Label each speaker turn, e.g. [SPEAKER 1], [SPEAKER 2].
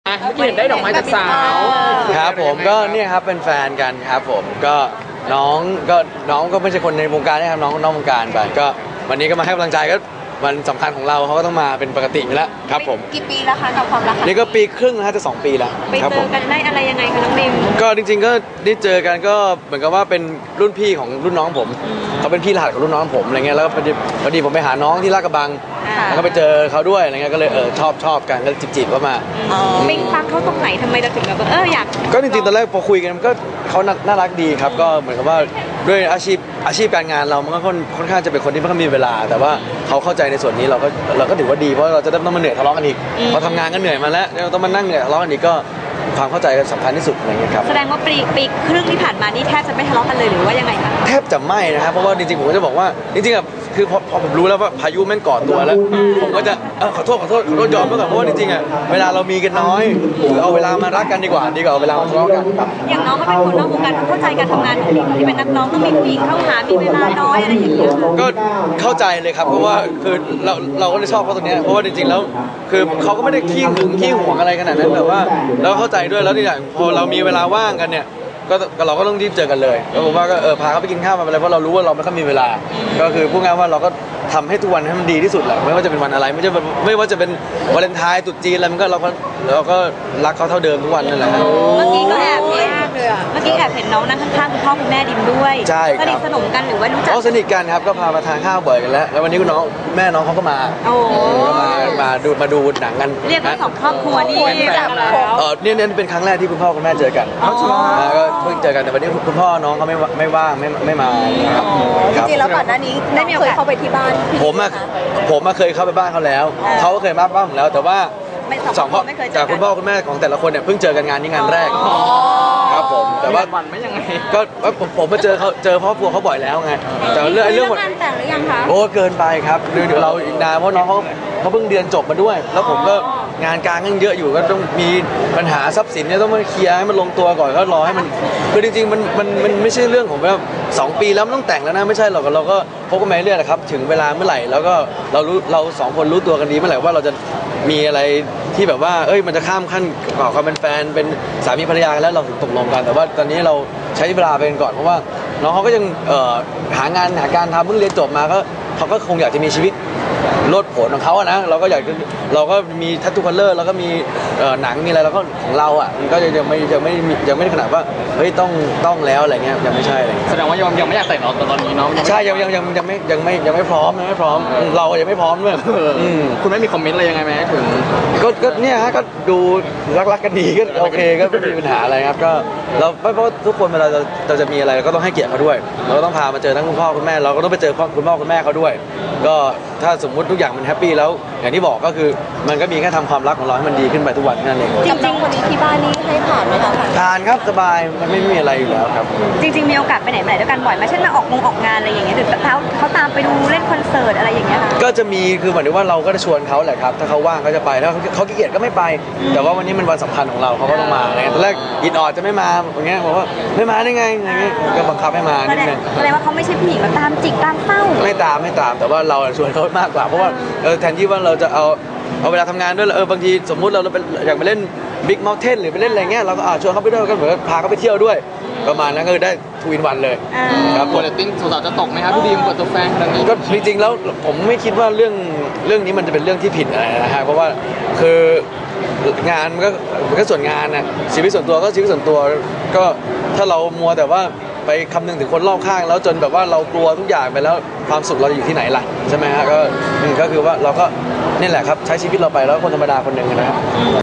[SPEAKER 1] เห็นได้ดอกไม้จากสาว
[SPEAKER 2] ครับผมก็เนี่ยครับเป็นแฟนกันครับผมก็น้องก็ไม่ใช่คนในวงการนะครับน้องนอกวงการไปก็วันนี้ก็มาให้กำลังใจก็วันสำคัญของเราเขาก็ต้องมาเป็นปกติอยู่แล้วครับผม
[SPEAKER 3] กี่ปีแล้วคะกับความรัก
[SPEAKER 2] นี่ก็ปีครึ่งนะจะ2 ปีแล้ว
[SPEAKER 3] ไปเจอกันได้อะไรยังไงคะน้องบิม
[SPEAKER 2] ก็จริงๆก็ได้เจอกันก็เหมือนกับว่าเป็นรุ่นพี่ของรุ่นน้องผมเขาเป็นพี่รหัสของรุ่นน้องผมอะไรเงี้ยแล้วพอดีผมไปหาน้องที่ลาดกระบังแล้วก็ไปเจอเขาด้วยอะไรเงี้ยก็เลยชอบกันก็จีบๆเข้ามา
[SPEAKER 3] บิมฟังเขาตรงไหนทำไมเราถึงแบบอยาก
[SPEAKER 2] ก็จริงๆตอนแรกพอคุยกันก็เขาน่ารักดีครับก็เหมือนกับว่าด้วยอาชีพการงานเรามันก็ค่อนข้างจะเป็นคนที่ไม่ค่อยมีเวลาแต่ว่าเขาเข้าใจในส่วนนี้เราก็ถือว่าดีเพราะเราจะต้องมาเหนื่อยทะเลาะกันอีกพอทำงานก็เหนื่อยมาแล้วเราต้องมานั่งเหนื่อยทะเลาะกันอีกก็ความเข้าใจกันสำคัญที่สุดอะไรเงี้ยครับ
[SPEAKER 3] แสดงว่าปีครึ่งที่ผ่านมานี่แทบจะไม่ทะเลาะกันเลยหรือว่ายังไงคะ
[SPEAKER 2] แทบจะไม่นะครับเพราะว่าจริงๆผมก็จะบอกว่าจริงๆอ่ะคือพอผมรู้แล้วว่าพายุแม่งก่อตัวแล้วผมก็จะขอโทษยอมไปก่อนเพราะว่าจริงๆอ่ะเวลาเรามีกันน้อยเอาเวลามารักกันดีกว่าเอาเวลามาทะเลาะกัน
[SPEAKER 3] อย่างน้องก็เป็นคนนอกวงการเข้าใจการทำงานของที่เป็นนักร้องต้องมีผู้หญิงเข้าหามีเวลาน้อยอะไรอย่างเงี้ย
[SPEAKER 2] ก็เข้าใจเลยครับเพราะว่าคือเราก็ได้ชอบเขาตรงนี้เพราะว่าจริงๆแล้วคือเขาก็ไม่ได้ขี้หึงขี้หวงอะไรขนาดนั้นแต่ว่าเราเข้าใจด้วยแล้วที่อย่างพอเรามีเวลาว่างกันเนี่ยก็เราก็ต้องรีบเจอกันเลยแล้วผมว่าก็พาเขาไปกินข้าวมาอะไรเพราะเรารู้ว่าเราไม่ค่อยมีเวลาก็คือพูดง่ายว่าเราก็ทำให้ทุกวันให้มันดีที่สุดแหละไม่ว่าจะเป็นวันอะไรไม่ว่าจะเป็นวาเลนไทน์ตรุษจีนอะไรมันก็เราก็รักเขาเท่าเดิมทุกวันนั่นแหละ
[SPEAKER 3] เมื่อกี้ก็แอบเห็นน้องนั่งข้างๆคุณพ่อคุณแม่ดิมด้วย
[SPEAKER 2] ใช่ครับ
[SPEAKER 3] สนิทสนมกันหรือว่ารู้จัก
[SPEAKER 2] สนิทกันครับก็พามาทานข้าวบ่อยกันแล้ววันนี้คุณน้องแม่น้องเขาก็มามาดูหนังกัน
[SPEAKER 3] เรียกว่า2 ครอบครัวนี่
[SPEAKER 1] แบบแล้ว
[SPEAKER 2] เนี่ยเป็นครั้งแรกที่คุณพ่อคุณแม่เจอกันก็เพิ่งเจอกันแต่วันนี้คุณพ่อน้องเขาไม่ว่างไม่มา
[SPEAKER 3] จริงๆแล้วก่อนหน้านี้ได้มีโอกาสเข้าไปที่บ้าน
[SPEAKER 2] ผมเคยเข้าไปบ้านเขาแล้วเขาก็เคยมาบ้านผมแล้วแต่ว่า2 พ่อจากคุณพ่อคุณแม่ของแต่ละคนเนี่ยเพิ่งเจอกันงานนี้งานแรกครับผมแต่ว่า
[SPEAKER 1] วันไม่ยังไง
[SPEAKER 2] ก็ผมมาเจอครอบครัวเขาบ่อยแล้วไงแต่เรื่อง
[SPEAKER 3] งานแต่งหรือยังคะ
[SPEAKER 2] โอ้เกินไปครับเดี๋ยวเราอีกนานเพราะน้องเขาเพิ่งเรียนจบมาด้วยแล้วผมก็งานการยังเยอะอยู่ก็ต้องมีปัญหาทรัพย์สินเนี่ยต้องมาเคลียร์ให้มันลงตัวก่อนก็รอให้มันคือจริงๆมันไม่ใช่เรื่องของแบบ2 ปีแล้วมันต้องแต่งแล้วนะไม่ใช่หรอกเราก็พบกันมาเรื่อยๆครับถึงเวลาเมื่อไหร่แล้วก็เรา2 คนรู้ตัวกันดีเมื่อไหร่ว่าเราจะมีอะไรที่แบบว่ามันจะข้ามขั้นก่อความเป็นแฟนเป็นสามีภรรยากันแล้วเราถึงตกลงกันแต่ว่าตอนนี้เราใช้เวลาไปก่อนเพราะว่าน้องเขาก็ยังหาการทำเพิ่งเรียนจบมาเขาก็คงอยากจะมีชีวิตโลดโผนของเขาอะนะเราก็มีทัตทูคัลเลอร์เราก็มีหนังมีอะไรแล้วก็ของเราอะมันก็ยังไม่ขนาดว่าเฮ้ยต้องแล้วอะไรเงี้ยยังไม่ใช่อะไร
[SPEAKER 1] แสดงว่ายังไม่อยากแต่งตอนนี้เนาะ
[SPEAKER 2] ใช่ยังไม่พร้อมเรายังไม่พร้อมด้วย
[SPEAKER 1] คุณไม่มีคอมเมนต์อะไรยังไงไหมถึง
[SPEAKER 2] ก็เนี่ยฮะก็ดูรักกันดีก็โอเคก็ไม่มีปัญหาอะไรครับก็เราเพราะทุกคนเวลาเราจะมีอะไรก็ต้องให้เกียรติเขาด้วยเราก็ต้องพามาเจอทั้งคุณพ่อคุณแม่เราก็ต้องไปเจอคุณพ่อคุณแม่เขาด้วยก็ถ้าสมมุติทุกอย่างมันแฮปปี้แล้วอย่างที่บอกก็คือมันก็มีแค่ทำความรักของเราให้มันดีขึ้นไปทุกวันนั่นเอง
[SPEAKER 3] จริงๆคนนี้ที่บ้านนี่ให้ผ่านไหมคะ
[SPEAKER 2] ผ่านครับสบายมันไม่มีอะไรอยู่แล้วครับ
[SPEAKER 3] จริงๆมีโอกาสไปไหนมาไหนด้วยกันบ่อยไหมเช่นมาออกงานอะไรอย่างเงี้ยหรือเขาตามไปดูเล่นคอนเสิร์ตอะไรอย่างเงี้ย
[SPEAKER 2] ก็จะมีคือเหมือนว่าเราก็จะชวนเขาแหละครับถ้าเขาว่างเขาจะไปถ้าเขาขี้เกียจก็ไม่ไปแต่ว่าวันนี้มันวันสำคัญของเราเขาก็ต้องมาอะไรเงี้ยตอนแรกอิดออดจะไม่มาอย่างเงี้ยบอกว่าไม่มาได้ไงอะไรเงี้ยก็บังคับให้มานิดนึง
[SPEAKER 3] แสดงว่าเขาไม่ใช่ผู้หญิงแบบตามจิกตามเต้า
[SPEAKER 2] ไม่ตามแต่ว่าเราชวนเขามากกว่าเพราะว่าแทนที่ว่าเราจะเอาเวลาทำงานด้วยบางทีสมมุติเราอยากไปเล่นบิ๊กเมลเทนหรือไปเล่นอะไรเงี้ยเราก็ชวนเขาไปด้วยก็เหมือนพาเขาไปเที่ยวด้วยประมาณนั้นก็ได้ทูอินวันเลย
[SPEAKER 1] ครับโปรตีนสาวจะตกไหมครับพี่ดีมเปิดตัวแฟนครั้งนี้
[SPEAKER 2] ก็จริงๆแล้วผมไม่คิดว่าเรื่องนี้มันจะเป็นเรื่องที่ผิดอะไรนะฮะเพราะว่าคืองานมันก็ส่วนงานนะชีวิตส่วนตัวก็ชีวิตส่วนตัวก็ถ้าเรามัวแต่ว่าไปคำนึงถึงคนรอบข้างแล้วจนแบบว่าเรากลัวทุกอย่างไปแล้วความสุขเราจะอยู่ที่ไหนล่ะใช่ไหมฮะก็คือว่าเราก็นี่แหละครับใช้ชีวิตเราไปแล้วคนธรรมดาคนหนึ่งนะครับ